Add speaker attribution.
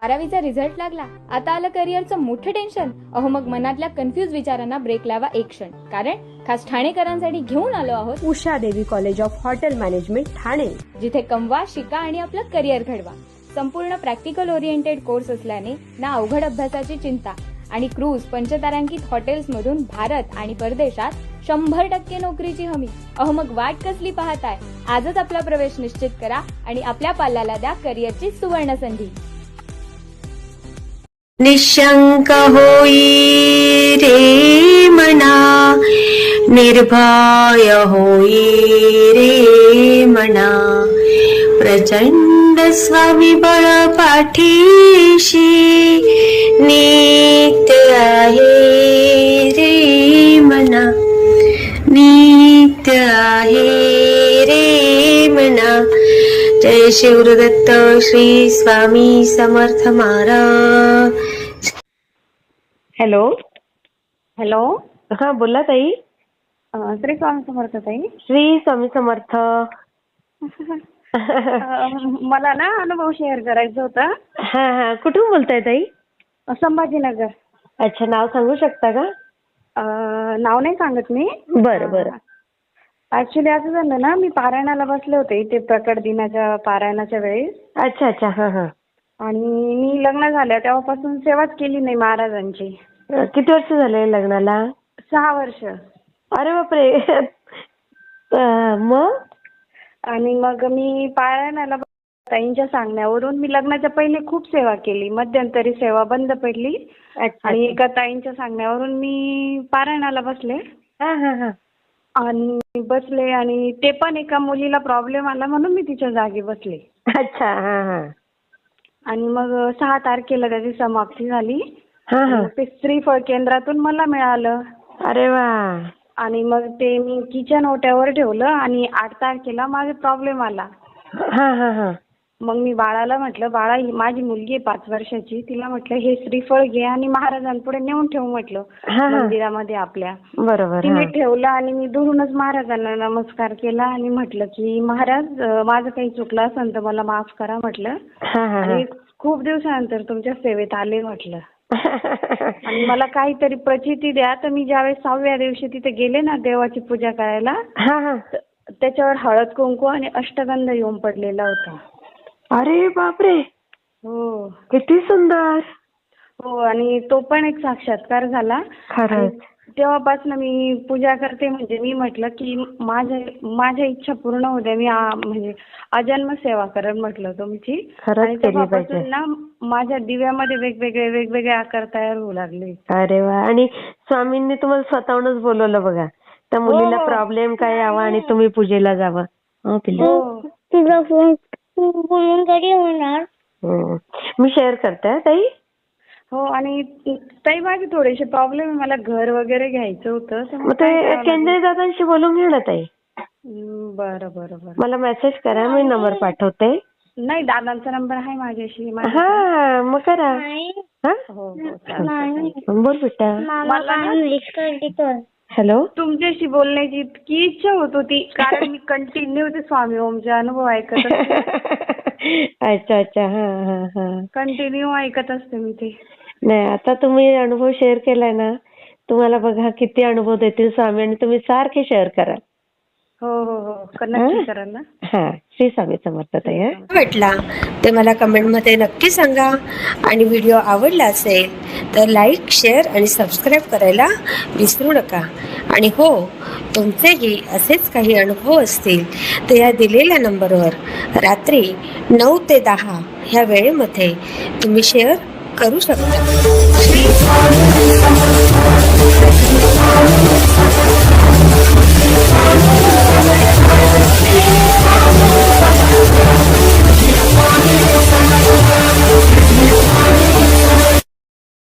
Speaker 1: 12वीचा result लागला, आता आलं करिअरचं मोठं टेन्शन. अहो मग मनातल्या कन्फ्युज विचारांना ब्रेक लावा एक क्षण, कारण खास ठाणेकरांसाठी घेऊन आलो आहोत
Speaker 2: Usha Devi college of hotel management Thane,
Speaker 1: जिथे कमवा, शिका आणि आपलं करिअर घडवा. संपूर्ण प्रॅक्टिकल ओरिएंटेड कोर्स असल्याने ना अवघड अभ्यासाची चिंता आणि क्रूज पंचतारांकित हॉटेल्समधून भारत आणि परदेशात 100% नोकरीची हमी. अहो मग वाट कसली पाहताय? आजच आपला प्रवेश निश्चित करा आणि आपल्या पाल्याला द्या करिअरची सुवर्ण संधी.
Speaker 3: निशंक होई रे मना, निर्भय होई रे मना, प्रचंड स्वामीबळ पाठीशी नित्य आहे रे मना, नित्य आहे रे मना. जय शिवदत्त श्री स्वामी समर्थ महाराज. Hello
Speaker 4: hello.
Speaker 3: हा बोला ताई.
Speaker 4: श्री स्वामी समर्थ ताई.
Speaker 3: श्री स्वामी समर्थ.
Speaker 4: मला ना अनुभव शेअर करायचा होता.
Speaker 3: हा हा कुठून बोलताय ताई?
Speaker 4: संभाजीनगर.
Speaker 3: अच्छा, नाव सांगू शकता का?
Speaker 4: नाव नाही सांगत मी.
Speaker 3: बरं बरं.
Speaker 4: ऍक्च्युली असं झालं ना, मी पारायणाला बसले होते इथे प्रकट दिनाच्या पारायणाच्या वेळेस.
Speaker 3: अच्छा अच्छा. हा हा.
Speaker 4: आणि मी लग्न झाल्या तेव्हापासून सेवाच केली नाही महाराजांची.
Speaker 3: किती वर्ष झाले लग्नाला?
Speaker 4: 6 वर्ष.
Speaker 3: अरे बापरे. मग?
Speaker 4: आणि मग मी पारायणाला ताईंच्या सांगण्यावरून मी लग्नाच्या पहिले खूप सेवा केली. मध्यंतरी सेवा बंद पडली.
Speaker 3: अच्छा.
Speaker 4: आणि एका ताईंच्या सांगण्यावरून मी पारायणाला बसले.
Speaker 3: हा हा हा.
Speaker 4: आणि बसले आणि ते पण एका मुलीला प्रॉब्लेम आला म्हणून मी तिच्या जागी बसले.
Speaker 3: अच्छा. हा हा.
Speaker 4: आणि मग 6 तारखेला त्याची समाप्ती झाली.
Speaker 3: हा हा.
Speaker 4: ते श्रीफळ केंद्रातून मला मिळालं.
Speaker 3: अरे वा.
Speaker 4: आणि मग ते मी किचन ओट्यावर ठेवलं आणि 8 तारखेला माझा प्रॉब्लेम आला.
Speaker 3: हा हा हा.
Speaker 4: मग मी बाळाला म्हटलं, बाळा ही माझी मुलगी आहे 5 वर्षाची, तिला म्हटलं हे श्रीफळ घे आणि महाराजांपुढे नेऊन ठेव म्हटलं मंदिरामध्ये आपल्या.
Speaker 3: बरोबर.
Speaker 4: तिने ठेवलं आणि मी दुरूनच महाराजांना नमस्कार केला आणि म्हटलं की महाराज माझं काही चुकलं असेल तर मला माफ करा म्हटलं. आणि खूप दिवसानंतर तुमच्या सेवेत आले म्हटलं. आणि मला काहीतरी प्रचिती द्या. तर मी ज्यावेळेस 6व्या दिवशी तिथे गेले ना देवाची पूजा करायला, त्याच्यावर हळद कुंकू आणि अष्टगंध येऊन पडलेला होता.
Speaker 3: अरे बापरे.
Speaker 4: हो.
Speaker 3: किती सुंदर.
Speaker 4: हो. आणि तो पण एक साक्षात्कार झाला.
Speaker 3: खरंच.
Speaker 4: तेव्हापासून मी पूजा करते. म्हणजे मी म्हटलं की माझ्या इच्छा पूर्ण होत्या. मी म्हणजे अजन्म सेवा करेन म्हटलं तुमची. आणि तेव्हापासून ना माझ्या दिव्यामध्ये वेगवेगळे आकार तयार होऊ लागले.
Speaker 3: अरे वा. आणि स्वामींनी तुम्हाला स्वतःहूनच बोलवलं बघा, त्या मुलीला प्रॉब्लेम काय यावा आणि तुम्ही पूजेला जावं.
Speaker 5: तुझा फोन बोलून कधी होणार?
Speaker 3: मी शेअर करते ताई.
Speaker 4: हो. आणि ताई माझे थोडेसे प्रॉब्लेम आहे. मला घर वगैरे घ्यायचं होतं.
Speaker 3: मग ते केंद्रीय दादांशी बोलून घे ना ताई.
Speaker 4: बरं बरं बरं.
Speaker 3: मला मेसेज करा, मी नंबर पाठवते.
Speaker 4: नाही, दादांचा नंबर आहे माझ्याशी.
Speaker 3: हा मग करा.
Speaker 4: हो.
Speaker 3: बोल बेटा.
Speaker 4: मला
Speaker 3: हॅलो.
Speaker 4: तुमच्याशी बोलण्याची इतकी इच्छा होत होती, कारण मी कंटिन्यू ते स्वामी ओमचे अनुभव ऐकत असते.
Speaker 3: अच्छा अच्छा. हा हा हा.
Speaker 4: कंटिन्यू ऐकत असते मी ते.
Speaker 3: नाही, आता तुम्ही अनुभव शेअर केलाय ना, तुम्हाला बघा किती अनुभव देतील स्वामी, आणि तुम्ही सारखे शेअर करा.
Speaker 4: हो हो हो. नक्की कराल ना.
Speaker 3: हा. श्री स्वामी समर्थ ताई. वाटला ते मला कमेंटमध्ये नक्की सांगा. आणि व्हिडिओ आवडला असेल तर लाईक, शेअर आणि सबस्क्राईब करायला विसरू नका. आणि हो, तुमचेही असेच काही अनुभव असतील तर या दिलेल्या नंबरवर रात्री 9 ते 10 ह्या वेळेमध्ये तुम्ही शेअर करू शकता. श्री स्वामी समर्थ.